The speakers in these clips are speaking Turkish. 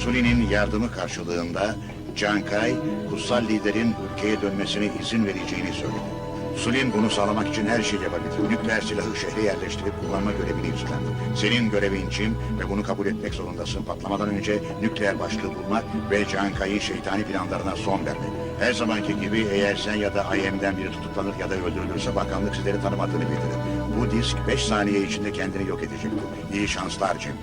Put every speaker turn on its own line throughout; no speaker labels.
Suli'nin yardımı karşılığında Cankay, kutsal liderin ülkeye dönmesine izin vereceğini söyledi. Sulin bunu sağlamak için her şeyi yapabilir. Nükleer silahı şehre yerleştirip kullanma görevini üstlendi. Senin görevin Jim ve bunu kabul etmek zorundasın. Patlamadan önce nükleer başlığı bulmak ve Cankay'ı şeytani planlarına son vermek. Her zamanki gibi eğer sen ya da IM'den biri tutuklanır ya da öldürülürse bakanlık sizleri tanımadığını bildirir. Bu disk 5 saniye içinde kendini yok edecektir. İyi şanslar Jim.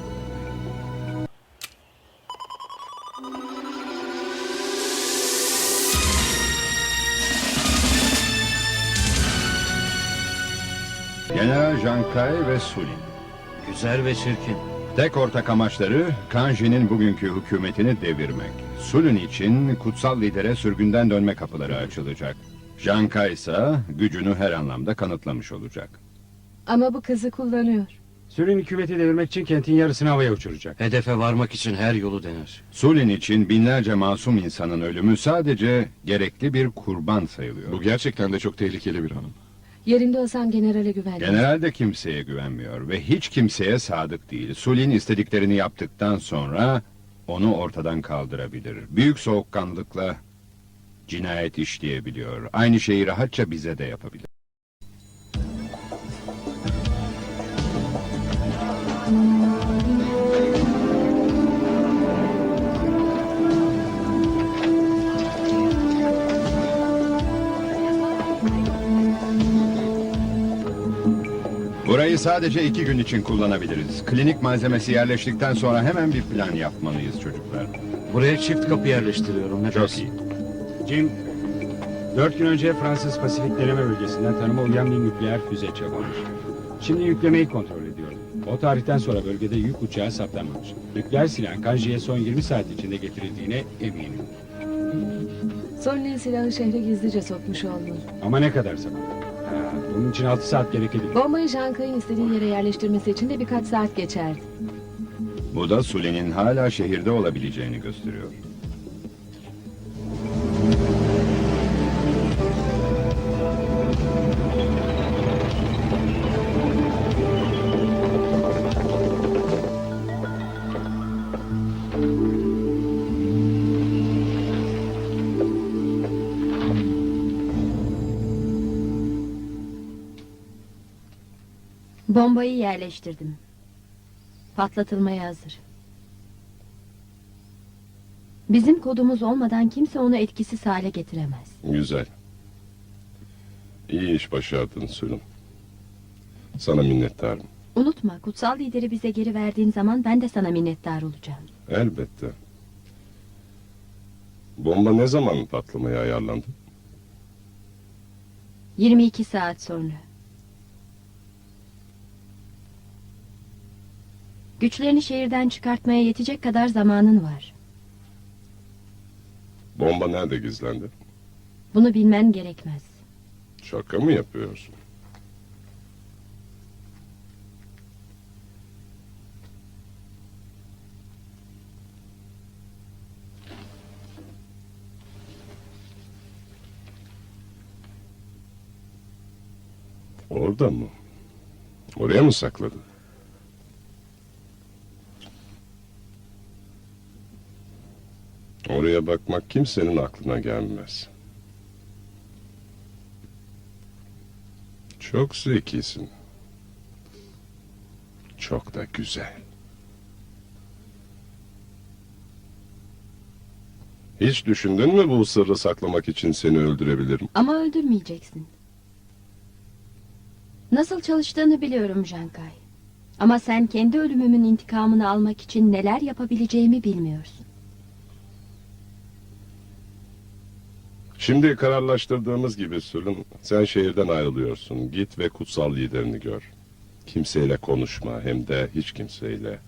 General Cankay ve Sulin.
Güzel ve çirkin.
Tek ortak amaçları Kanji'nin bugünkü hükümetini devirmek. Sulin için kutsal lidere sürgünden dönme kapıları açılacak. Cankay ise gücünü her anlamda kanıtlamış olacak.
Ama bu kızı kullanıyor.
Sülün hükümeti devirmek için kentin yarısını havaya uçuracak.
Hedefe varmak için her yolu dener.
Sulin için binlerce masum insanın ölümü sadece gerekli bir kurban sayılıyor.
Bu gerçekten de çok tehlikeli bir hanım.
Yerinde olsam generale güvenmem.
General de kimseye güvenmiyor ve hiç kimseye sadık değil. Sulin istediklerini yaptıktan sonra onu ortadan kaldırabilir. Büyük soğukkanlılıkla cinayet işleyebiliyor. Aynı şeyi rahatça bize de yapabilir. Burayı sadece 2 gün için kullanabiliriz. Klinik malzemesi yerleştikten sonra hemen bir plan yapmalıyız çocuklar.
Buraya çift kapı yerleştiriyorum. Ne
Çok
dersin?
iyi.
Jim, 4 gün önce Fransız Pasifik deneme bölgesinden tanıma uyan bir nükleer füze çakılmış. Şimdi yüklemeyi kontrol ediyorum. O tarihten sonra bölgede yük uçağı saptanmamış. Nükleer silahın Kanji'ye son 20 saat içinde getirildiğine eminim.
Sonlin silahı şehre gizlice sokmuş olmalı.
Ama ne kadar zaman? Bunun için 6 saat gerekebilir.
Bombayı Cankay'ın istediği yere yerleştirmesi için de birkaç saat geçerdi.
Bu da Sulin'in hala şehirde olabileceğini gösteriyor.
Bombayı yerleştirdim. Patlatılmaya hazır. Bizim kodumuz olmadan kimse onu etkisiz hale getiremez.
Güzel. İyi iş başardın Sülün. Sana minnettarım.
Unutma, kutsal lideri bize geri verdiğin zaman ben de sana minnettar olacağım.
Elbette. Bomba ne zaman patlamaya ayarlandı?
22 saat sonra. Güçlerini şehirden çıkartmaya yetecek kadar zamanın var.
Bomba nerede gizlendi?
Bunu bilmen gerekmez.
Şaka mı yapıyorsun? Orada mı? Oraya mı sakladın? Oraya bakmak kimsenin aklına gelmez. Çok zekisin. Çok da güzel. Hiç düşündün mü bu sırrı saklamak için seni öldürebilirim?
Ama öldürmeyeceksin. Nasıl çalıştığını biliyorum Cankay. Ama sen kendi ölümümün intikamını almak için neler yapabileceğimi bilmiyorsun.
Şimdi kararlaştırdığımız gibi Sülün, sen şehirden ayrılıyorsun. Git ve kutsal liderini gör. Kimseyle konuşma, hem de hiç kimseyle.